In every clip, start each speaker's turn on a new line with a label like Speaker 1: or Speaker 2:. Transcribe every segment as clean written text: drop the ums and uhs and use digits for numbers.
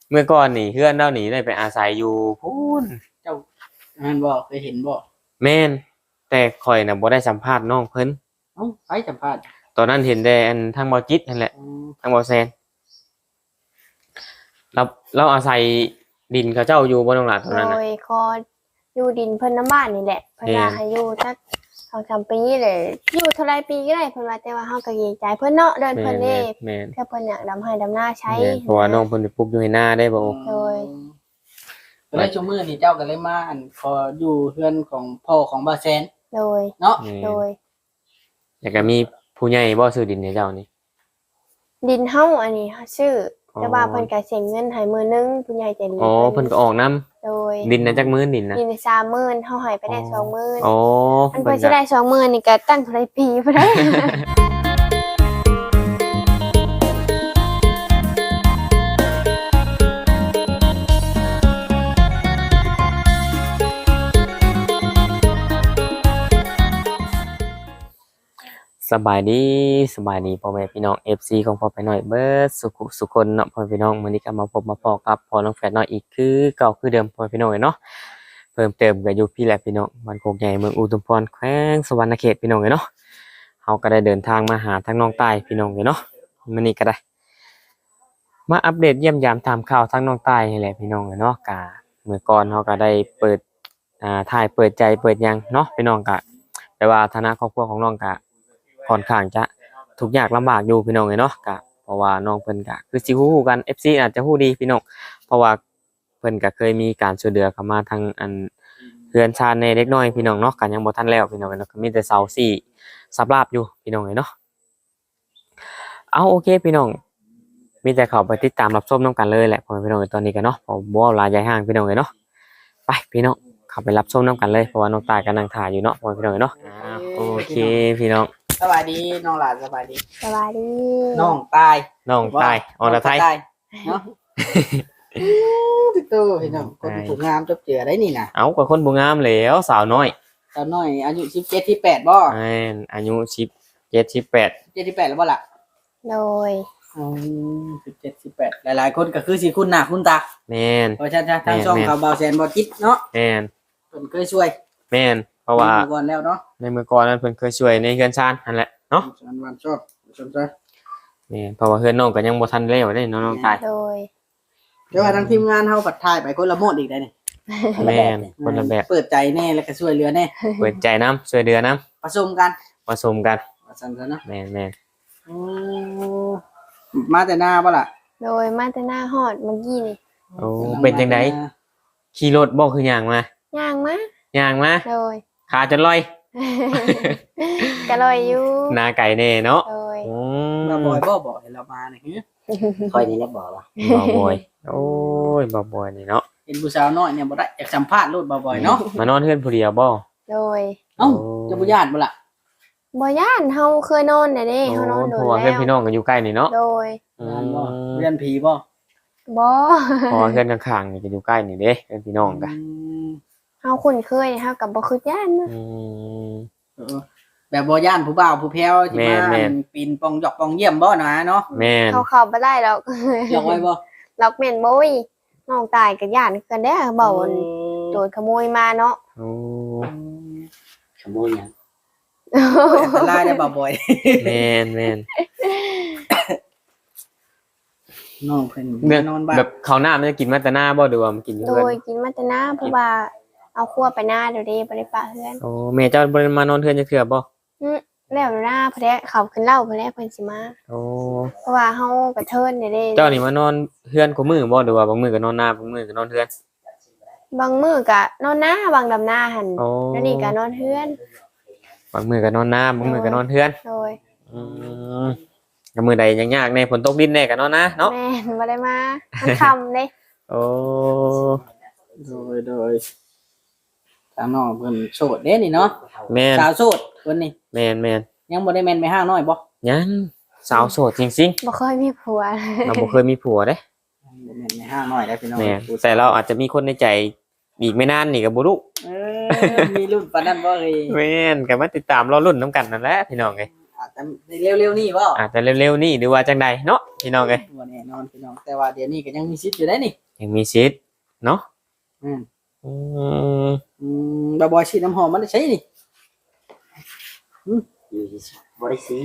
Speaker 1: เมื่อก่อนนี่เพื่อนเรานี่ได้ไปอาศัยอยู่พูน
Speaker 2: เจ้าอันบ่เคยเห็นบ่
Speaker 1: แม่นแต่ข่อยน่ะบ่ได้สัมภาษณ์น้องเพิ่น
Speaker 2: เอ้าไปสัมภาษณ์
Speaker 1: ตอนนั้นเห็นแต่อันทางบ่จิตนั่นแหละทางบ่แซนเราอาศัยดินเขาเจ้าอยู่บ่น้องหลานตอนนั้น
Speaker 3: โด
Speaker 1: น่ะ
Speaker 3: ยก็อยู่ดินเพิ่นน้ำบ้านนี่แหละเพิ่นว่าให้อยู่จัก2-3 ปีเลยอยู่เท่าไรปีก็ได้เพิ่นว่าแต่ว่าเฮาก็เกรงใจเพิ่นเนาะเดินเพิ่นเด้
Speaker 1: แม่น
Speaker 3: ถ้าเพิ่นอยากดำให้ดำหน้าใช้
Speaker 1: เพราะว่าน้องเพิ่นไปปลูกอยู่ให้หน้าได้บ่
Speaker 3: โดย
Speaker 2: ก็เลยชั่วมื้อนี่เจ้าก็เลยมาอันขออยู่เฮือนของพ่อของบ่าวแซน
Speaker 3: โดย
Speaker 2: เนาะ
Speaker 3: โดย
Speaker 1: แล้วก็มีผู้ใหญ่บ่ซื้อดินให้เจ้านี่
Speaker 3: ดินเฮาอันนี้ชื่อแต่ว่าเพิ่นก็เสียเงินให้มื้อนึงผู้ใหญ่ใจดี
Speaker 1: อ๋อเพิ่นก็ออกนํ
Speaker 3: โดย
Speaker 1: ดินน่ะจักมื้อดินนะ
Speaker 3: ดิน30,000เฮาให้ไปได้20,000
Speaker 1: อ๋อ
Speaker 3: อันเพิ่นสิได้20,000นี่ก็ตั้งเท่าไรปีบ่ได้
Speaker 1: สบายดีพ่อแม่พี่น้อง FC ของพ่อไปหน่อยเบิดสุคนเนาะพ่อพี่น้องมื้อนี้ก็มาพบมาพอกับพ่อน้องแฝดน้อยอีกคือเก่าคือเดิมพ่อพี่น้องเนาะเพิ่มเติมก็อยู่พี่แหละพี่น้องบ้านโคกใหญ่เมืองอุทุมพรแขวงสวรรณเขตพี่น้องเนาะเฮาก็ได้เดินทางมาหาทางน้องใต้พี่น้องเนาะมื้อนี้ก็ได้มาอัปเดตเยี่ยมยามตามข่าวทางน้องใต้นี่แหละพี่น้องเนาะกะเมื่อก่อนเฮาก็ได้เปิดถ่ายเปิดใจเปิดหยังเนาะพี่น้องก็แต่ว่าฐานะครอบครัวของน้องก็ค่อนข้างจะทุกข์ยากลำบากอยู่พี่น้องเนาะก็เพราะว่าน้องเพิ่นก็คือสิฮู้กัน FC อาจจะฮู้ดีพี่น้องเพราะว่าเพิ่นก็เคยมีการช่วยเหลือเข้ามาทางอันเรือนชาญในเล็กน้อยพี่น้องเนาะก็ยังบ่ทันแล้วพี่น้องเนาะก็มีแต่เสาสี่สับราบอยู่พี่น้องเนาะเอาโอเคพี่น้องมีแต่เข้าไปติดตามรับชมนํกันเลยแหละพ่อพี่น้องตอนนี้ก็เนาะผมบ่เอาหลายใหญ่ห้างพี่น้องเนาะไปพี่น้องเข้าไปรับชมนํกันเลยเพราะว่าน้องตายก็นั่งถ่ายอยู่เนาะพ่อพี่น้องเนาะโอเคพี่น้อง
Speaker 2: สบายดีน้องหลานสบายดี
Speaker 3: สวัสดี
Speaker 2: น้องตาย
Speaker 1: น้องตายอรไทย
Speaker 2: เนาะตู้พี่น้องคนถูกงามจบเจือได้นี่นะ
Speaker 1: เอากับคนบ่งามแล้วสาวน้อย
Speaker 2: ตอนน้อยอายุ17 18บ่
Speaker 1: อายุ17 18
Speaker 2: 17 18แล้วบ่ล่ะ
Speaker 3: โดย
Speaker 2: 17 18หลายๆคนก็คือสิคุ้นหน้าคุ้นตา
Speaker 1: แม่น
Speaker 2: เพราะฉะนั้นทางช่องเขาเบาแสนบ่จิตเนาะ
Speaker 1: แม่น
Speaker 2: เพิ่นเคยช่วย
Speaker 1: แม่นเพราะว่า
Speaker 2: ก่อนแล้วเนาะ
Speaker 1: ในเมื่อก่อนนั้นเพิ่นเคยช่วยในเฮือนชานนั่นแหละเนาะ
Speaker 2: วันชอบสนใจ
Speaker 1: แม่นเพราะว่าเฮือนน้องก็ยังบ่ทันแล้วได้น้องตาย
Speaker 3: โดย
Speaker 2: เดี๋ยวทางทีมงานเฮาปัดทายไปคนละโหมดอีกได้นี่
Speaker 1: แม่นคนละแบบ
Speaker 2: เปิดใจแน่แล้วก็ช่วยเหลือแน่
Speaker 1: เปิดใจนํช่วยเหลือนํ
Speaker 2: ผสมกัน
Speaker 1: ผสมกัน
Speaker 2: ว่าซั่นซะเนาะ
Speaker 1: แม่น
Speaker 2: มาแต่หน้าบ่ล่ะ
Speaker 3: โดยมาแต่หน้าฮอดเมื่อกี้นี่
Speaker 1: โอ้เป็นจังได๋ขี่รถบ่คือย่างมา
Speaker 3: ย่างมา
Speaker 1: ย่างมา
Speaker 3: โดย
Speaker 1: ขาจนลอย
Speaker 3: ก็ลอยอยู่
Speaker 1: หน้าไก่แน่เนาะ
Speaker 3: โดย
Speaker 2: มาบ่อยบ่บอกให้เรามานี่
Speaker 4: ค่อยนี่แหละบอกว่า
Speaker 1: บ่บ่อยโอ้ยบ่บ่อยนี่เนาะ
Speaker 2: เห็นผู้สาวน้อยเนี่ยบ่ได้อยากสัมภาษณ์โลดบ่อยๆเนาะ
Speaker 1: มานอนเฮือนผู้เดียวบ่
Speaker 3: โดย
Speaker 2: เอ้าจะบ่ญาติบ่ล่ะ
Speaker 3: บ่ย่านเฮาเคยนอนได้เด้เฮานอนโด
Speaker 1: เพ
Speaker 3: น
Speaker 1: ราะว่าเพื่อน
Speaker 3: แล้ว
Speaker 1: พี่น้องกันอยู่ใกล้นี่เนาะ
Speaker 3: โดย
Speaker 2: ญาติบ่เรียนผีบ่
Speaker 3: บ่
Speaker 1: เพราะว่าเพื่อนข้างๆนี่ก็อยู่ใกล้นี่เด้เพื่อนพี่น้องกัน
Speaker 3: เฮาคุ้นเคยเฮาก็บ่คือย่านนะ
Speaker 2: แบบบ่ย่านผู้บ่าวผู้แพ้วที่มาปีนปองหยอกปองเยี่ยมบ่นะเนาะ
Speaker 1: แม่น
Speaker 3: เขาเข้าบ่ได้หรอก
Speaker 2: หยอกไว้บ่
Speaker 3: ล็อกแม่นบ่ยน้องตายก็ย่านกันเด้อเบาโดนขโมยมาเนาะ
Speaker 1: โอ้
Speaker 4: ขโมยหยัง
Speaker 2: อันตรายได้บ่อย
Speaker 1: แม่นแม่น
Speaker 2: น้องเพิ่น
Speaker 1: เรื่อง
Speaker 2: นอนบ้าน
Speaker 1: แบบข้าวหน้ามันจะกินมาแต่หน้าบ่หรือว่ามันกินอยู่
Speaker 3: โด
Speaker 1: เพื่อน
Speaker 3: ยกินมาแต่หน้าเพราะว่าเอาครัวไปหน้าเดี๋ยวเด้บ่ได้ปะเฮือน
Speaker 1: โอ้แม่เจ้าบ่ได้มานอนเพื่อนจักเทื่อบ่
Speaker 3: แล้วหน้าเพิ่นเขาขึ้นเล่าเพิ่นแล้วเพิ่นสิมา
Speaker 1: โอ้
Speaker 3: เพราะว่าเฮากระเทินเด้
Speaker 1: เจ้านี่มานอนเพื่อนกูมือบ่หรือว่าบางมื้อก็นอนหน้าบางมื้อก็นอนเพื่อน
Speaker 3: บางมื้อก็นอนหน้าบางดำหน้าหั่น
Speaker 1: โอ้
Speaker 3: แล้วนี่ก็นอนเฮือน
Speaker 1: บางมื้อก็นอนหน้าบางมื้อก็นอนเพื่อน
Speaker 3: โดย
Speaker 1: อืมก็มื้อใดยากๆแน่ฝนตกดินแน่ก็นอนนะเนาะ
Speaker 3: แม่นบ่ได้มามันค่ำเด้
Speaker 1: โอ้
Speaker 2: โดยทางน้องเพิ่นโสดเด้นี่เนาะ
Speaker 1: แม่น
Speaker 2: สาวโสดเพิ่นนี่
Speaker 1: แม่น
Speaker 2: ยังบ่ได้แม่นไปห้างน้อยบ่
Speaker 1: ยังสาวโสดจริง
Speaker 3: บ่เคยมีผัว
Speaker 1: ๆเราบ่เคยมีผัวเด้
Speaker 2: บ่แม่นไปห้างน้อยได้พี่น้อง
Speaker 1: แม่แต่เราอาจจะมีคนในใจอีกไม่นานนี่ก็บ่รู้
Speaker 2: มีรุ่นปานนั้นบ่เอ้ย
Speaker 1: แม่นก็มาติดตามรอรุ่นน้ำกันนั่นแหละพี่น้องเอ้ย
Speaker 2: อาจจะเร็วๆนี่บ่
Speaker 1: อาจจะเร็วๆนี่หรือว่าจังใดเนาะพี่น้องเอ้ย
Speaker 2: บ่แน่นอนพี่น้องแต่ว่าเดี๋ยวนี้ก็ยังมีสิทธิ์อยู่ได้นี่
Speaker 1: ยังมีสิทธิ์เนาะ
Speaker 2: อืม
Speaker 1: อืม
Speaker 2: บ่ฉีดน้ำหอมมันได้ใช้นี่
Speaker 4: อยู่ที่บริสี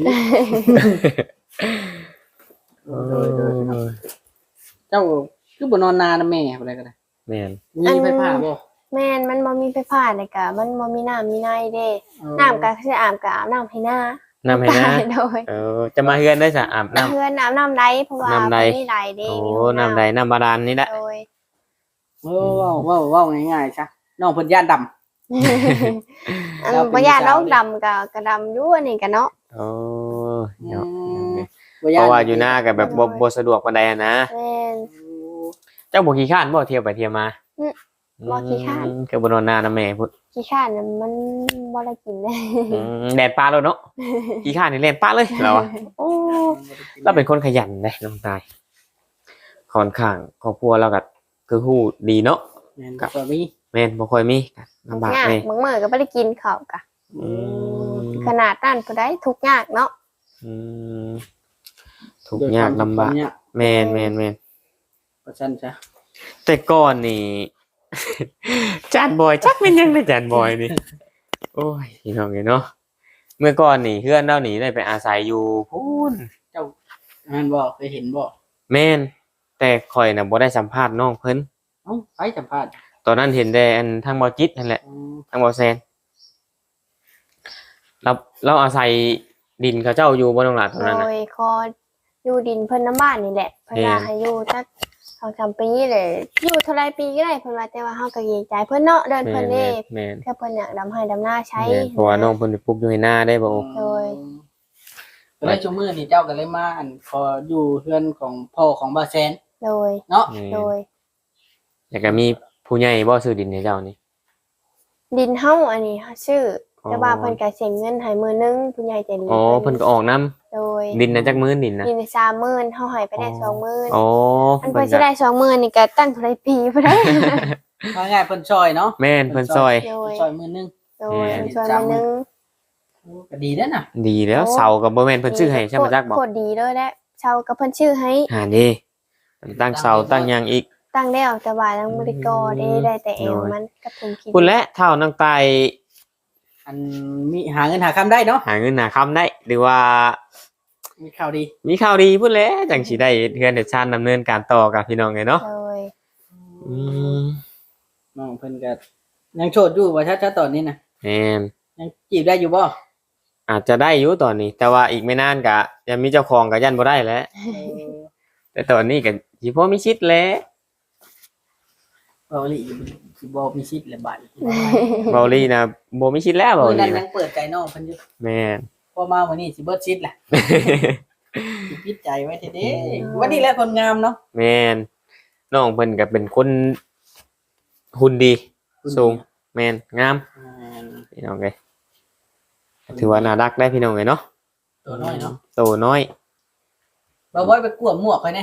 Speaker 2: เจ้าคือบ่นอนนานนะแม่อะไรก็ได้
Speaker 1: แม่น
Speaker 2: มีไฟฟ้าบ่
Speaker 3: แม่นมันบ่มีไฟฟ้าเลยกะมันบ่มีน้ำมีในเด้น้ำก็สิอาบก็อาบน้ำให้หน้า
Speaker 1: น้ำให้นะ
Speaker 3: โดย
Speaker 1: จะมาเฮือนได้สะอาบน้ำ
Speaker 3: เพื่อนอาบน้ำใดเพราะว่า
Speaker 1: น้ำใด
Speaker 3: บ่มีใดเด้
Speaker 1: โอ้
Speaker 3: มีห้อง
Speaker 1: น้ำใดน้ำบาดาลนี่แหละ
Speaker 3: โดย
Speaker 2: ว้าวง่ายๆซะน้องเพิ่นย่านดำ
Speaker 3: อัน
Speaker 2: เราเป็น
Speaker 3: บ่ยาน
Speaker 2: สาว
Speaker 3: น้องดำก็ดำอยู่อันนี้ก็เนาะ
Speaker 1: โอ้เนาะ
Speaker 2: บ่
Speaker 1: เพราะว่าอยู่หน้ากับแบบบ่สะดวกปานใดอะนะ
Speaker 3: แม่น
Speaker 1: เจ้าบ่ขี้ข้านบ่เที่ยวไปเที่ยวมา
Speaker 3: บ่ขี้คร้าน
Speaker 1: คือบ่นอนนานนะแม่พุด
Speaker 3: ขี้ข้านน่ะมันบ่ได้กินเลย
Speaker 1: แดดปลาแล้วเนาะขี้ข้านนี่แล่นปลาเลยเราอะโอ้เราเป็นคนขยันเด้น้องตายค่อนข้างครอบครัวเราก็คือฮู้ดีเนาะ
Speaker 2: แม่นก็มี
Speaker 1: แม่นบ่ค่อยมีลำบาก
Speaker 3: ยาก
Speaker 1: แม่
Speaker 3: บางมื้อก็บ่ได้กินข้าวกะ
Speaker 1: อืม
Speaker 3: ขนาดนั้นผู้ใดทุกข์ยากเนาะ
Speaker 1: อืมทุกข์ยากลำบากแม่นแม่นแม่น
Speaker 2: เพราะฉะนั้นจ้ะ
Speaker 1: แต่ก่อนนี่ จานบอยจักเป็นยังไงจานบอยนี่ โอ้ยพี่น้องเนาะเมื่อก่อนนี่เพื่อนเราหนีได้ไปอาศัยอยู่พูน
Speaker 2: แม่นบ่เคยเห็นบ่
Speaker 1: แม่นแต่ข่อยน่ะบ่ได้สัมภาษณ์น้องเพิ่น
Speaker 2: เอ้าไปสัมภาษณ์
Speaker 1: ตอนนั้นเห็นแต่อันทางบอจิตนั่นแหละทางบอแซนเราอาศัยดินเขาเจ้าอยู่บนตรงหลังตรงนั้น
Speaker 3: โด
Speaker 1: น่ะ
Speaker 3: ยคออยู่ดินเพิ่นน้ำบ้านนี่แหละเพิ่นว่าให้อยู่จัก2-3ปีเลยอยู่เท่าไรปีก็ได้เพิ่นว่าแต่ว่าเฮาก็เกรงใจเพิ่นเนาะเดิน
Speaker 1: แม่
Speaker 3: เพิ่น
Speaker 1: น
Speaker 3: เด้
Speaker 1: แม่น
Speaker 3: ถ้าเพิ่นอยากดำให้ดำหน้าใช้
Speaker 1: แม่นเพราะว่าน้องเพิ่นไปปลูกอยู่ในนาได้บ่
Speaker 3: โดย
Speaker 2: ก็เลยชั่วมื้อนี่เจ้าก็เลยมาขออยู่เฮือนของพ่อของบ่าวแซน
Speaker 3: โดย
Speaker 2: เนาะ
Speaker 1: แม่น
Speaker 3: โดย
Speaker 1: แล้วก็มีผู้ใหญ่บ่ซื้อดินให้เจ้านี่
Speaker 3: ดินเฮาอันนี้ชื่อแต่ว่าเพิ่นก็เสียเงินให้มื้อนึงผู้ใหญ่ใจดี
Speaker 1: อ๋อเพิ่นก็ออกน้ำ
Speaker 3: โดย
Speaker 1: ดินน่ะจักมื้อดินน่ะ
Speaker 3: ดิน30,000เฮาให้ไปได้20,000
Speaker 1: อ๋อ
Speaker 3: อันเพิ่นสิได้20,000นี่ก็ตั้งเท่าไรปีบ่ได้
Speaker 2: ว่าง่ายเพิ่นช่วยเนาะ
Speaker 1: แม่นเพิ่นซอย
Speaker 3: โดย
Speaker 2: ช่วยมื้อนึง
Speaker 3: โดยเพิ่นช่วยมื้อนึง
Speaker 2: ก็ดีเด้อน่ะ
Speaker 1: ดีแล้วเสากับบ่แม่นเพิ่นซื้อให้ใช่บ่จักบ่
Speaker 3: โคตรดีเลยแหละเช่ากับเพิ่นชื่อให้
Speaker 1: นี่ตั้งเสาตั้งหยังอีก
Speaker 3: ตั้งแล้วแต่ว่ายังบ่ได้ก่อได้แต่เอวมันกับถุงคิด
Speaker 1: คุณและเท่าน้องตาย
Speaker 2: อันมีหาเงินหาคำได้เนาะ
Speaker 1: หาเงินหาคำได้ หรือว่า
Speaker 2: มีข่าวดี
Speaker 1: มีข่าวดีพูดแล้วจังสิได้เฮือนเดชานดำเนินการต่อกับพี่น้องไงเนาะ
Speaker 3: โดย
Speaker 1: อืม
Speaker 2: น้องเพิ่นก็ยังโสดอยู่ว่าชัดๆตอนนี้น่ะ
Speaker 1: แม่น
Speaker 2: ยังจีบได้อยู่บ่
Speaker 1: อาจจะได้อยู่ตอนนี้ แต่ว่าอีกไม่นานก็ยังมีเจ้าของก็ยันบ่ได้แล้ว แต่ตอนนี้ก็สิพอมีชิดแล้ว
Speaker 2: เบาหลีสิบ่มีสิทธิ์และบาด
Speaker 1: เบาลี่นะบ่มีชิดแล้วเบา
Speaker 2: มื้อนั้
Speaker 1: ลี่
Speaker 2: น
Speaker 1: นะ
Speaker 2: ยังเปิดใจน้องเพิ่นอยู่
Speaker 1: แม่น
Speaker 2: พอมาวันนี้สิเบิดชิดแหละสิปิดใจไว้เด้ๆวันนี้แหละคนงามเนาะ
Speaker 1: แม่นน้องเพิ่นก็เป็นคนหุ่นดีสูงแม่นงามพี่น้องเอ้ยถือว่าน่ารักได้พี่น้องเอ้ยเนาะ
Speaker 2: ตัวน้อยเนาะ
Speaker 1: โตน้อย
Speaker 2: บ่บ่ไปกวมหมวกไว้แน่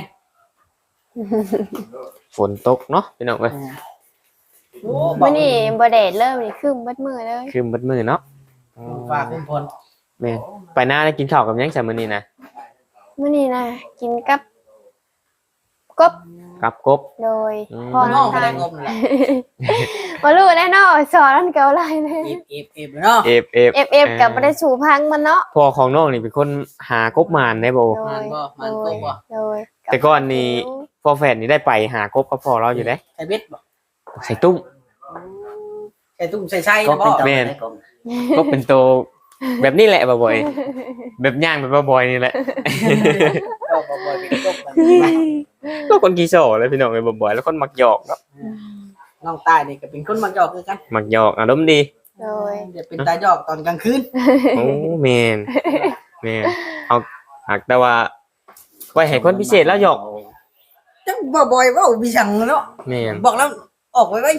Speaker 1: ฝนตกเนาะพี่น้องเอ้ย
Speaker 2: โอ้
Speaker 3: มื้อนี้บ่แดดเลยมื้อนี้ครึ้มเบิดมื้อเลย
Speaker 1: คือเบิดมือเนาะ
Speaker 2: ฝากคุณพล
Speaker 1: แม่นไปหน้าได้กินข้าวกับหยังซะมื้อนี้นะ
Speaker 3: มื้อนี้นะกินกับกบ
Speaker 1: กับกบ
Speaker 3: โดย
Speaker 1: อืม
Speaker 3: พอ
Speaker 2: น้อง
Speaker 3: น้ำ
Speaker 2: ก็
Speaker 3: ตา
Speaker 2: ได้
Speaker 3: ล
Speaker 2: งบนั่นแหละ
Speaker 3: บ่รู้แน่เนาะสอนมันเก่าหลายเลย
Speaker 2: เอฟเนาะ
Speaker 3: FF ก็บ่ได้สู่พังมันเนาะ
Speaker 1: พ่อของน้องนี่เป็นคนหากบมานได้บ่
Speaker 3: โด
Speaker 2: มัน
Speaker 3: ย
Speaker 2: บ่มัน
Speaker 3: โด
Speaker 2: ต
Speaker 3: ย
Speaker 2: กบ่
Speaker 3: โดย
Speaker 1: แต่ก่อนนี่พ่อแฝดนี่ได้ไปหากบกับพ่อเราอยู่เด้
Speaker 2: ใส่เบ็ดบ่
Speaker 1: ใส่ตุ้ม
Speaker 2: ใส่ตุ้มใส่ไส้
Speaker 4: ก็
Speaker 2: นะ
Speaker 4: เป็
Speaker 2: บ่
Speaker 4: นตัว
Speaker 1: แม่น
Speaker 4: ได้กลม
Speaker 1: ก็เป็นโตแบบนี้แหละบ่อยๆแบบย่างแบบบ่อยๆนี่แหละ
Speaker 2: ก็บ่อยเป็นกบมัน
Speaker 1: ก็คนขี้โซเลยพี่น้องเอ้ยบ่อยๆแล้วคนมักหยอกเนาะ
Speaker 2: น้องตายนี่ก็เป็นคนมักหยอกคือกัน
Speaker 1: มักหยอกอารมณ์ดี
Speaker 3: โดย
Speaker 2: เดี๋ยวเป็นตาหยอกตอนกลางคืน
Speaker 1: โอ้แม่นแม่นเอาหากแต่ว่าไว้ให้คนพิเศษแล้วหยอก
Speaker 2: จังบ่อยๆเว้ามีสั่งเนาะ
Speaker 1: แม่น
Speaker 2: บอกแล้วออกไว้ไว้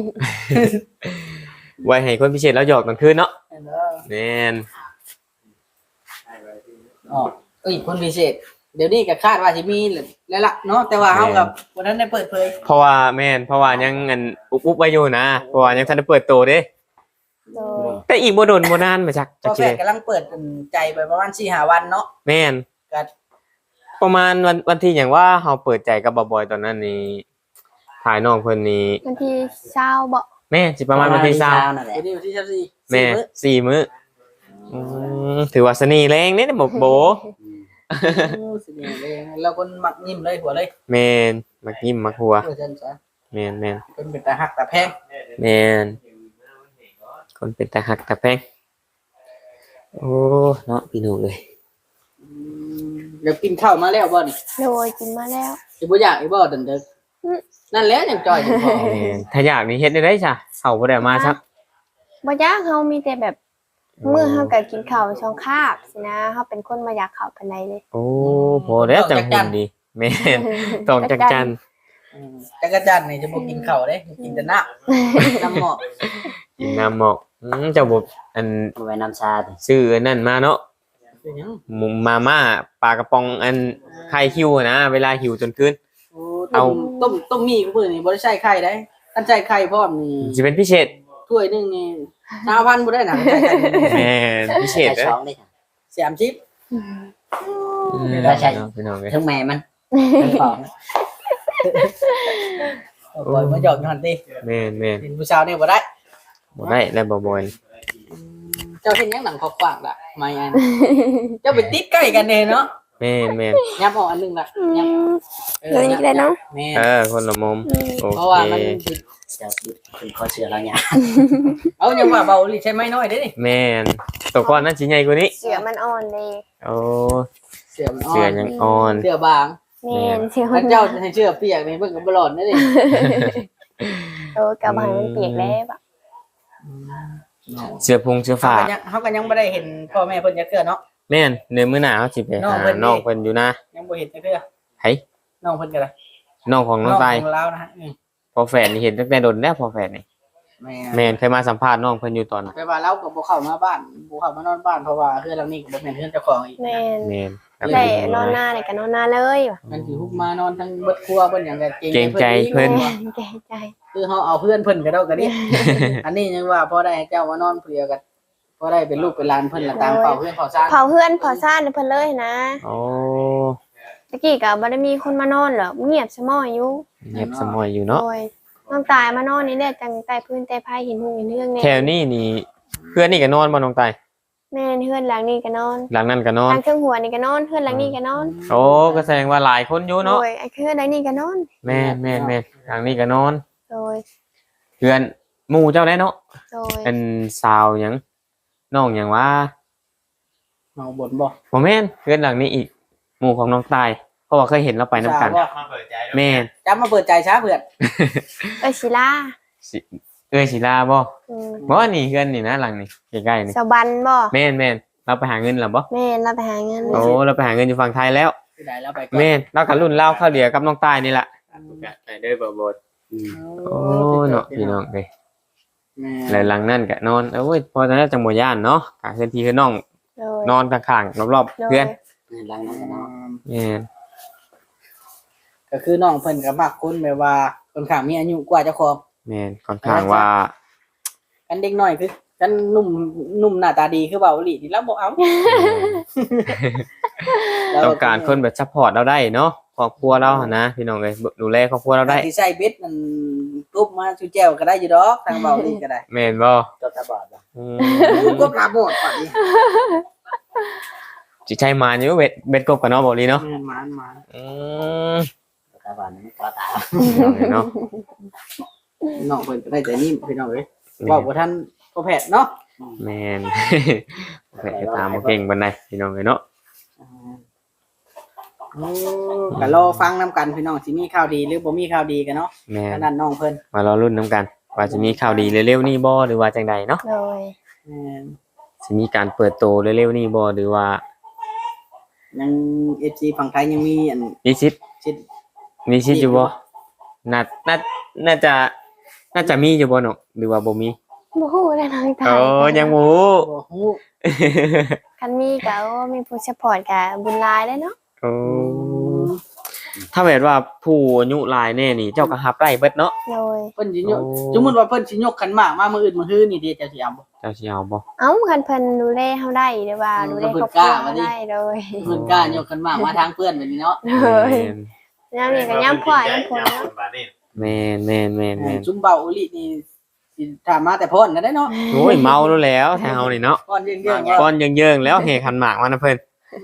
Speaker 1: ไว้ให้คนพิเศษแล้วหยอกกลางคืนเนาะแม่น
Speaker 2: อ๋อคนพิเศษ เดี๋ยวนี้ก็คาดว่าสิมีแล้วล่ะเนาะแต่ว่าเฮากับวันนั้นได้เปิดเผย
Speaker 1: เพราะว่าแม่นเพราะว่ายังอันอุบๆไว้อยู่นะเพราะว่ายังทันได้เปิดตัวเด้
Speaker 3: โดย
Speaker 1: แต่อีกบ่โดนบ่นานมาจัก
Speaker 2: พ่อ
Speaker 1: สิ
Speaker 2: แพทย์กำลังเปิดใจไปประมาณ4-5 วันเนาะ
Speaker 1: แม่น
Speaker 2: ก็
Speaker 1: ประมาณวันที่หยังว่าเฮาเปิดใจกับบ่บอยตอนนั้นนี่ถ่ายน้องเพิ่นนี่
Speaker 3: วันที่20บ่
Speaker 1: แม่สิประมาณวันที่20
Speaker 4: นั่นแหละ
Speaker 2: วันนี้วันที่14
Speaker 1: แม่
Speaker 2: 4 มื้อ
Speaker 1: 4 มื้อถือว่าสนีแรงเด้บ่โบ
Speaker 2: สิเนี่ยเลยแล้วคนมักยิ้มเลยหัวเลย
Speaker 1: แม่นมักยิ้มมักหัว
Speaker 2: เพื่อจันซะ
Speaker 1: แม่น
Speaker 2: เป็นตาหักตาแพง
Speaker 1: แม่นคนเป็นตาหักตาแพงโอ้เนาะพี่น้องเอ้ย
Speaker 2: เดี๋ยวกินข้าวมาแล้วบ่นี่
Speaker 3: โดยกินมาแล้ว
Speaker 2: สิบ่อยากอีบ่ดันเด้อนั่นแหละยังจอยอยู่พอ
Speaker 1: แม่นถ้าอยากนี่เฮ็ดได้จ้ะเข้าบ่ได้มาซัก
Speaker 3: บ่ยากเฮามีแต่แบบมื้อเฮาก็กินข้าวช่องคาบสินะเฮาเป็นคนบ่อยากข้าวปานใดเลย
Speaker 1: โอ้พอแล้วจังหุ่นดีแม่นต้องจักจัน
Speaker 2: จักรจันทร์นี่จะบ่กินข้าวเด้กินแต่น้ำน้ำหมอก
Speaker 1: กินน้ำหมอกเจ้าบ่อัน
Speaker 4: เอาไว้น้ำชาติ
Speaker 1: ซื้ออันนั่นมาเนาะ
Speaker 2: เป็นหยัง
Speaker 1: หมุมมาม่าปลากระป๋องอันไข่คิวอะนะเวลาหิวจนคืน
Speaker 2: โอ้ต้มมีกูมื้อนี่บ่ได้ใช้ไข่ได้คันใช้ไข่พร้อมนี่
Speaker 1: สิเป็นพิเศษ
Speaker 2: ถ้วยหนึงนี่5,000บ่ได้นะใช้ไข่
Speaker 1: แม่นพิเศษ
Speaker 4: ใช้
Speaker 1: เด้อ
Speaker 4: ช้องได้ค่ะ
Speaker 2: 30
Speaker 4: ได้ใช่
Speaker 1: พี่น้องเอ้ย
Speaker 4: ทั้งแม่มันทั้งของ
Speaker 2: บ่มาหยอกอยู่หั่นติ
Speaker 1: แม่น
Speaker 2: เป็นผู้สาวนี่บ่ได้
Speaker 1: บ่ได้แล้วบ่บ่อย
Speaker 2: เจ้าเห็นยังหนังขอบขวางล่ะไม่อันเจ้าไปติดใกล้กันเด้เนาะ
Speaker 1: แม่น
Speaker 2: ยับออกอันหนึงล่ะยับ
Speaker 3: เดี๋ยวนี้ก็ได้เนาะ
Speaker 2: แม่
Speaker 1: คนละมุมโอ
Speaker 2: เพราะ
Speaker 1: เค
Speaker 2: ว่ามันสิ
Speaker 4: จะคุณข้อเชื่อเราเนี่ย
Speaker 2: เอายังว่าเบาลิใช่ไหมน้อยเด้นี่
Speaker 1: แม่นตัวก้อนนั้นสิใหญ่กว่านี้
Speaker 3: เสือมันอ่อนเลย
Speaker 1: โอ้
Speaker 2: เสือมันอ่อ
Speaker 1: เสือน ยังอ่อน
Speaker 2: เสือบาง
Speaker 3: แม่นเสือมั
Speaker 2: ถ้าน เจ้าให้เชือเปียกนี่เบิ่งก็บ่รอดเด้นี่
Speaker 3: โอ้กะบ่ให้มันเปียกแล้วอะ
Speaker 1: เสื้อพุงเสื้อ
Speaker 2: เฮา
Speaker 1: ฟ้า
Speaker 2: ก็ยังเฮาก็ยังบ่ได้เห็นพ่อแม่เพิ่นจักเทื่อเนาะ
Speaker 1: แม่นในมื้อหน้าเฮาสิไป
Speaker 2: น้อง
Speaker 1: หา
Speaker 2: เพิ่นนี่
Speaker 1: น้องเพิ่นอยู่นะ
Speaker 2: ยังบ่เห็นจักเทื่อ
Speaker 1: ไห้
Speaker 2: น้องเพิ่นก็ได้
Speaker 1: น้องของน้องตาย
Speaker 2: ของเรานะฮะ
Speaker 1: พอแฝดนี่เห็นตั้งแต่โดนแล้วพอแฝดนี่
Speaker 2: แม่
Speaker 1: แม่นเคยมาสัมภาษณ์น้องเพิ่นอยู่ตอนน่ะ
Speaker 2: ไปว่าเราก็บ่เข้ามาบ้านบ่เข้ามานอนบ้านเพราะว่าเฮือนหลังนี้ก็บ่แม่นเฮือนเจ้าของอีก
Speaker 3: แม่น
Speaker 1: แม่นครับ
Speaker 3: ได้นอนหน้าได้ก็นอนหน้าเลยว่ะ
Speaker 2: มันสิฮุบมานอนทั้งเบิดครัวเพิ่นหยังก็
Speaker 1: เกรงใจเพิ่น
Speaker 3: แม่นแก่ใจ
Speaker 2: คือเฮาเอาเพื่อนเพิ่นก็เดาก็ดิ อันนี้ยังว่าพอได้ให้เจ้ามานอนเพื่อกันพอได้เป็นลูกเป็นหลานเพิ่นละตามเป่าเพื่อนเป่าซ่าน
Speaker 3: เผาเพื่อนเผาซ่านให้เพิ่นเลยนะ
Speaker 1: โอ้
Speaker 3: ตะกี้ก็บ่ได้มีคนมานอนหรอกเงียบสมอยอยู่
Speaker 1: เงียบสมอยอยู่เนาะ
Speaker 3: โอ้ยน้องตายมานอนนี่แหละจังใต้พื้นใต้ไผเห็นหุงเห็นเรื่องแน่
Speaker 1: แถวนี้นี่เพื่อนนี่ก็นอนบ่น้องตาย
Speaker 3: แม่นเฮือนหลังนี้ก็นอน
Speaker 1: หลังนั้นก็นอน
Speaker 3: ทางเครื่องหัวนี่ก็นอนเฮือนหลังนี้ก็นอน
Speaker 1: โอ้ก็แสดงว่าหลายคนอยู่เนาะ
Speaker 3: โอ้ยไอ้เฮือนหลังนี้ก็นอน
Speaker 1: แม่นหลังนี้ก็นอน
Speaker 3: โดย
Speaker 1: เพื่อนหมู่เจ้าได้เนาะ
Speaker 3: โดย
Speaker 1: เป็นสาวหยังน้องหยังว่า
Speaker 2: เมาบ่นบ่
Speaker 1: บ่แม่นเพื่อนหลังนี้อีกหมู่ของน้องตายเพราะว่าเคยเห็นเราไปนํกัน
Speaker 2: สาวบ่
Speaker 1: แม่น
Speaker 2: จำมาเปิดใจช้าเพื่อน
Speaker 3: เอ้ยศิลา
Speaker 1: สิเอ้ยศิลาบ่
Speaker 3: อืม
Speaker 1: บ่นี่เพื่อนนี่นะหลังนี่ใกล้ๆนี่
Speaker 3: สบันบ่
Speaker 1: แม่นเราไปหาเงินแล้วบ่
Speaker 3: แม่นเราไปหาเงิน
Speaker 1: โอ้เราไปหาเงินอยู่ฝั่งไทยแล้ว
Speaker 2: ที่ไหนแล้วไปก่อน
Speaker 1: แม่นเรากับรุ่นเล่าข้าวเดียวกับน้องตายนี่แหละไปเด้อบ่
Speaker 4: อืม
Speaker 1: โอ้เนาะพี่น้องเด้ย
Speaker 2: แม่
Speaker 1: แล้วหลังนั่นก็นอนโอ้ยพอตอนนั้นจังบ่ย่านเนาะกะเพื่อนพี่คือน้อง
Speaker 3: โดย
Speaker 1: นอนข้างๆรอบๆ
Speaker 3: โดย
Speaker 1: เพื่อน
Speaker 4: หลังนั้นก็เนาะ
Speaker 1: แม่น
Speaker 2: ก็คือน้องเพิ่นก็มักคนแบบว่าคนข้างมีอายุกว่าเจ้าของ
Speaker 1: แม่นค่อนข้างว่า
Speaker 2: กันเด็กน้อยคือกันหนุ่มหน้าตาดีคือเบาอีหลีที่เราบ่เอา
Speaker 1: ต้องการคนแบบซัพพอร์ตเราได้เนาะครอบครัวเราหั่นนะพี่น้องเอ้ยดูแลครอบครัวเราได้
Speaker 2: ที่ใส่เบ็ดมันตุ๊บมาชูแจวก็ได้อยู่ดอกทางเบาอีหลีก็ได้
Speaker 1: แม่นบ่
Speaker 4: ตัวตาบอดบ่
Speaker 1: อืม
Speaker 2: ก็ปลาโบดก่อนดิ
Speaker 1: สิใช้มาอยู่เบ็ดกบกับเนาะบ่ลีเนาะ
Speaker 2: มัน
Speaker 1: อืม
Speaker 4: ตัวตาบอดมันก็ตา
Speaker 1: เนาะ
Speaker 2: น้องเพิ่นก็ได้แต่นิ่มพี่น้องเอ้ยบอกว่าท่านพ่อแพทย์เนาะ
Speaker 1: แม่น แม่นตามบ่เก่งปานใดพี่น้องเอ้ยเนาะ
Speaker 2: ก็รอฟังนํกันพี่น้องสิมีข่าวดีหรือบ่มีข่าวดีกันเนาะ
Speaker 1: แม่น
Speaker 2: ขนาดน้องเพิ่น
Speaker 1: มารอรุ่นน้ำกัน ว่าจะมีข่าวดีเร็วๆนี่บ่หรือว่าจังใดเนาะ
Speaker 3: โดย
Speaker 1: สิมีการเปิดโตเร็วๆนี่บ่หรือว่า
Speaker 2: ยัง FC ฝั่งไทยยังมีอัน
Speaker 1: มีสิทธิ์
Speaker 2: ชิด
Speaker 1: มีสิทธิ์อยู่บ่น่าน่าจะน่าจะมีอยู่บ่เนาะหรือว่าบ่มี
Speaker 3: บ่ฮู้เลยน้องตาย
Speaker 1: โอ้ยังบ่ฮู้
Speaker 2: บ่ฮู้
Speaker 3: คันมีก็โอ้มีผู้ซัพพอร์ตก็บุญหลายเลยเนาะ
Speaker 1: โอ้ถ้าแบบว่าผู้อายุหลายแน่นี่เจ้าก็รับได้เบิดเนาะ
Speaker 3: โดย
Speaker 2: เพิ่นสิยก
Speaker 1: โอ้
Speaker 2: สมมุติว่าเพิ่นสิยกขันหมากมามื้ออื่นมื้อฮื้อนี่เด้เจ้าสิเอาบ่
Speaker 1: เจ้าสิเอาบ่
Speaker 3: เอ้าคันเพิ่นดูแลเฮาได้หรือว่าดูแลครอบครัวเฮาได้โดย
Speaker 2: เพิ่นกล้ายกขันหมากมาทางเพื่อนแบบนี้เนาะ
Speaker 3: โดยยามนี้ก็ยามพ่อยามพ่อเนาะ
Speaker 1: แม่นแม่นแม่นแม่น
Speaker 2: จุ่มเบาอุลินี่สิถามมาแต่พ่นกันได้เนาะ
Speaker 1: โอ้ยเมาแล้วแถวนี่เนาะ
Speaker 2: พ่นเรื่องๆ
Speaker 1: ก้อนเยิงๆแล้วเฮคันหมากมานะเพิ่น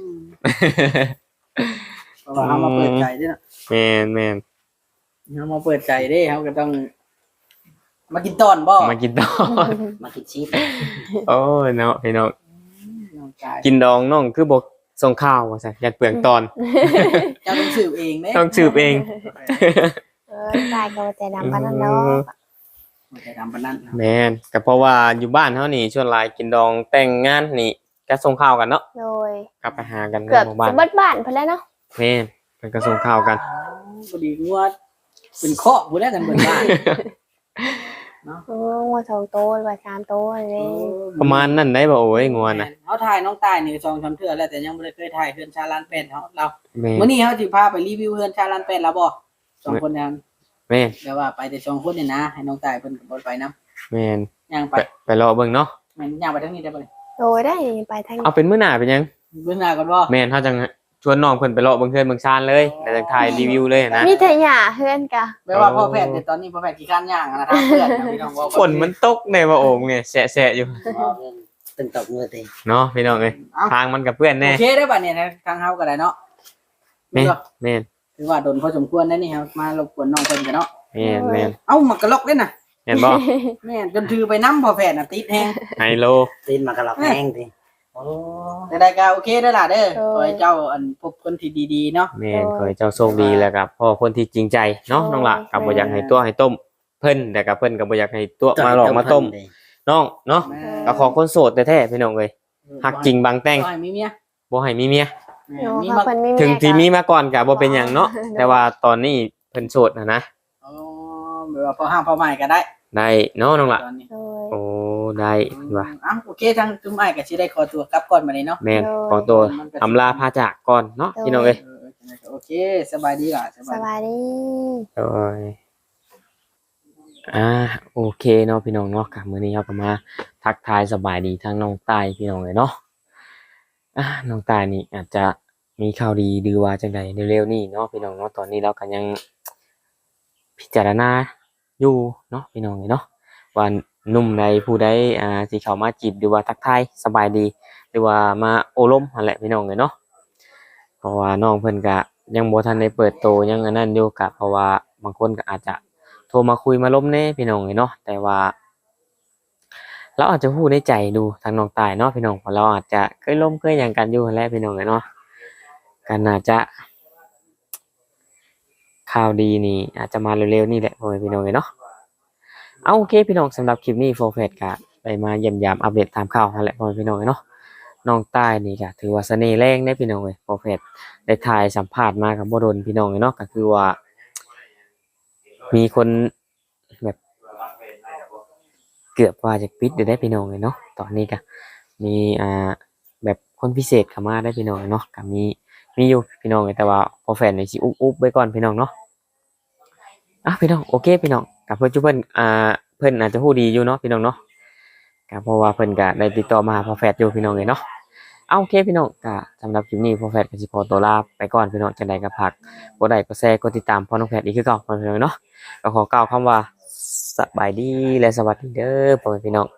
Speaker 2: เพราะว่าเฮามาเปิดใจเด้เนาะ
Speaker 1: แม่นแม่น
Speaker 2: เฮามาเปิดใจเด้เฮาก็ต้อง มากินตอนบ่
Speaker 1: มากินดอง
Speaker 4: มาคิดชีพ
Speaker 1: โอ้ยเนาะพี่น้อง
Speaker 2: น้องกาย
Speaker 1: กินดองน้องคือบ่ส่งข้าวว่าซั่นอยากเปลืองตอน
Speaker 2: เจ้าต้องสืบเองเด้
Speaker 1: ต้องสืบเอง
Speaker 3: ตายก็แต่ดำปานนั้นเนาะ
Speaker 2: มันจะทำปานนั้น
Speaker 1: แม่นก็เพราะว่าอยู่บ้านเฮานี่ส่วนหลายกินดองแต่งงานนี่ก็ส่งข้าวกันเนาะ
Speaker 3: โดย
Speaker 1: กลับไปหากันใน
Speaker 3: เกือบ
Speaker 1: หมู่บ้าน
Speaker 3: สิเบิดบ้านเพิ่นแล้วเนาะ
Speaker 1: แม่นเพิ่นก็ส่งข้าวกัน
Speaker 2: พอดีงัวเป็นเคาะผู้แรกกันเบิดบ้าน
Speaker 3: โอ้งัว2โตหรือว่า3โตเลย
Speaker 1: ประมาณนั้นได้บ่โอ้ยงัวน่ะ
Speaker 2: เฮาถ่ายน้องตายนี่2-3เทื่อแล้วแต่ยังบ่ได้เคยถ่ายเฮือนชาลานเป็ดเรา
Speaker 1: แม่น
Speaker 2: มื้อนี้เฮาสิพาไปรีวิวเฮือนชาลานเป็ดแล้วบ่สองคนนั้น
Speaker 1: แม่น
Speaker 2: แต่ว่าไปแต่สองคนนี่นะให้น้องตายเพิ่นก็บ่ไปนํ
Speaker 1: แม่น
Speaker 2: ย่างไป
Speaker 1: ไปรอเบิ่งเนาะ
Speaker 2: แม่นย่างไปทางนี้ได้บ่นี่
Speaker 3: โดยได้ไปทาง
Speaker 1: เอาเป็นมื้อหน้าเป็นหยัง
Speaker 2: เบิ่งหน้าก่อนบ่
Speaker 1: แม่นเฮาจังชวนน้องเพิ่นไปเลาะเบิ่งเฮือนเบิ่งชานเลยแล้วจังถ่ายรีวิวเลยนะ
Speaker 3: มีแต่หญ้าเฮือนกะ
Speaker 2: แปลว่าพ่อแพทย์แต่ตอนนี้พ่อแพทย์ขี้ข้านย่างนะทางเพื่อนนะพี่น้องว่า
Speaker 1: ฝนมันตกในว่าโอ่งเนี่ยแฉะๆอยู่
Speaker 4: ตึงตกมือตี
Speaker 1: เนาะพี่น้องเอ้ย
Speaker 2: เอา
Speaker 1: ทางมันกับเพื่อนแน่
Speaker 2: โอเคได้ป่ะเนี่ยนะทางเฮาก็ได้เนาะ
Speaker 1: แม่นแม่น
Speaker 2: ถือว่าโดนพอสมควรได้นี่ครับมารบกวนน้องเพิ่นกันเนาะ
Speaker 1: แม่นแม่น
Speaker 2: เอ้ามากระลอกเด้น่ะ
Speaker 1: แม่นบ่
Speaker 2: แม่นจนถือไปน้ำพ่อแพทย์น่ะติดแฮง
Speaker 1: ไฮโล
Speaker 4: ตีนมากระหลอกแห้งตีโอ้
Speaker 2: แต่ได้ก็โอเคเด้อล่ะเด้อขอให้เจ้าอันพบคนที่ดีๆเนาะ
Speaker 1: แม่นขอให้เจ้าโชคดีแล้วกับพ่อคนที่จริงใจเนาะน้องละกับบ่อยากให้ตัวให้ต้มเพิ่นแต่กับเพิ่นก็บ่อยากให้ตัวมาหลอกมาต้มน้องเนาะ
Speaker 2: แม่
Speaker 1: ก็ขอคนโสดแท้ๆพี่น้องเอ้ยฮักจริงบางแต่ง
Speaker 2: ขอให้มีเมีย
Speaker 1: บ่ให้มีเมีย
Speaker 2: แม่
Speaker 3: โอ้
Speaker 2: มี
Speaker 3: ค่ะ
Speaker 2: มา
Speaker 3: เพิ่นมี
Speaker 1: ถึงที่มี
Speaker 3: เย
Speaker 1: มาก่อนก็บ่เป็นหยังเนาะแต่ว่าตอนนี้เพิ่นโสดนะ
Speaker 2: อ๋อแบบว่าพอห้างพอใหม่ก็ได้
Speaker 1: ได้เนาะน้องละ
Speaker 2: ตอนนี้
Speaker 3: โดย
Speaker 1: โอ้ได้ว่ะ
Speaker 2: อ้าวโอเคทางจุ้มอ้ายก็สิได้ขอตัวกลับก่อนบัดนี้เนาะ
Speaker 1: แม่นขอตัวอำลาพาจากก่อนเนาะพี่น้องเอ้ย
Speaker 2: โอเคสบายดีล่ะ
Speaker 3: สบายดี
Speaker 1: โอ้ยโอเคเนาะพี่น้องเนาะกับมื้อนี้เราก็มาทักทายสบายดีทั้งน้องตายพี่น้องเลยเนาะน้องตายนี่อาจจะมีข่าวดีหรือว่าจังใดเร็วๆนี้เนาะพี่น้องเนาะตอนนี้เราก็ยังพิจารณาอยู่เนาะพี่น้องเลยเนาะว่าหนุ่มใดผู้ใดสิเข้ามาจีบหรือว่าทักทายสบายดี หรือว่ามาโอลมนั่นแหละพี่น้องเลยเนาะเพราะว่าน้องเพิ่นก็ยังบ่ทันได้เปิดโตยังอันนั้นอยู่กะเพราะว่าบางคนก็อาจจะโทรมาคุยมาล้มแน่พี่น้องเลยเนาะแต่ว่าเราอาจจะพูดในใจดูทางน้องตายเนาะพี่น้องเพราะเราอาจจะเคยล้มเคยหยังกันอยู่นั่นแหละพี่น้องเลยเนาะกันอาจจะข่าวดีนี่อาจจะมาเร็วๆนี่แหละพ่อแม่พี่น้องเลยเนาะเอาโอเคพี่น้องสำหรับคลิปนี้โฟร์เฟสก็ได้มาเยี่ยมยามอัปเดตตามข่าวนั่นแหละพ่อแม่พี่น้องเลยเนาะน้องตายนี่ก็ถือว่าเสน่ห์แรงได้พี่น้องเลยโฟร์เฟสได้ถ่ายสัมภาษณ์มากับบ่โดนพี่น้องเลยเนาะก็คือว่ามีคนแบบเกือบว่าจะปิดได้พี่น้องเลยเนาะตอนนี้ก็มีแบบคนพิเศษเข้ามาได้พี่น้องเนาะก็มีอยู่พี่น้องเลยแต่ว่าพอแฟนนี่สิอุ๊บไว้ก่อนพี่น้องเนาะพี่น้องโอเคพี่น้องกับเพิ่นจุเพิ่นเพิ่นอาจจะฮู้ดีอยู่เนาะพี่น้องเนาะก็เพราะว่าเพิ่นก็ได้ติดต่อมาหาพอแฟนอยู่พี่น้องเลยเนาะโอเคพี่น้องก็สำหรับคลิปนี้พอแฟนก็สิขอตัวลาไปก่อนพี่น้องจังใดก็ฝากกดไลค์กดแชร์กดติดตามพ่อน้องแพทย์อีกคือเก่าพี่น้องเนาะก็ขอกล่าวคำว่าสบายดีและสวัสดีเด้อพ่อแม่พี่น้อง